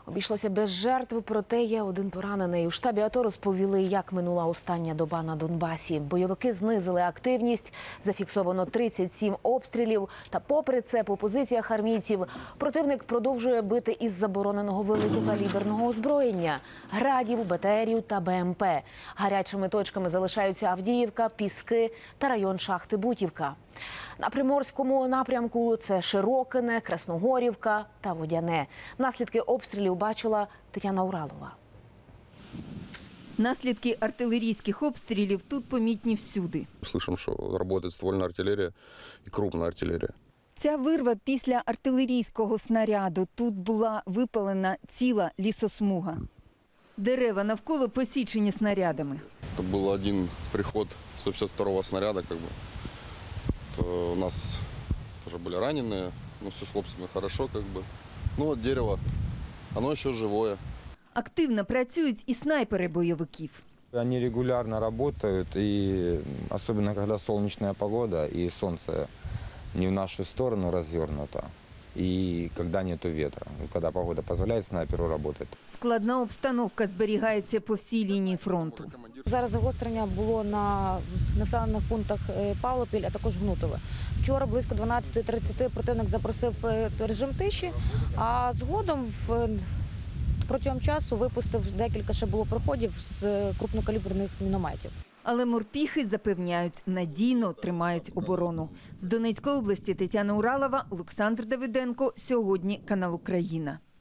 Обійшлося без жертв, проте є один поранений. У штабі АТО розповіли, як минула остання доба на Донбасі. Бойовики знизили активність, зафіксовано 37 обстрілів. Та попри це по позиціях армійців противник продовжує бити із забороненого великокаліберного озброєння – градів, БТРів та БМП. Гарячими точками залишаються Авдіївка, Піски та район шахти Бутівка. На Приморському напрямку – це Широкине, Красногорівка та Водяне. Наслідки обстрілів бачила Тетяна Уралова. Наслідки артилерійських обстрілів тут помітні всюди. Слышим, що працює ствольна артилерія і крупна артилерія. Ця вирва після артилерійського снаряду. Тут була випалена ціла лісосмуга. Дерева навколо посічені снарядами. Це був один приход 152-го снаряду. То у нас тоже были раненые, но все с хлопцами хорошо. Ну вот дерево, оно еще живое. Активно працюють і снайпери бойовиків. Они регулярно работают, и особенно когда солнечная погода и солнце не в нашу сторону развернуто, и когда нету ветра, когда погода позволяет снайперу работать. Складна обстановка зберігається по всій лінії фронту. Зараз загострення було на населених пунктах Павлопіль, а також Гнутове. Вчора близько 12:30 противник запросив режим тиші, а згодом протягом часу випустив декілька ще було проходів з крупнокаліберних мінометів. Але морпіхи запевняють, надійно тримають оборону. З Донецької області Тетяна Уралова, Олександр Давиденко. Сьогодні канал Україна.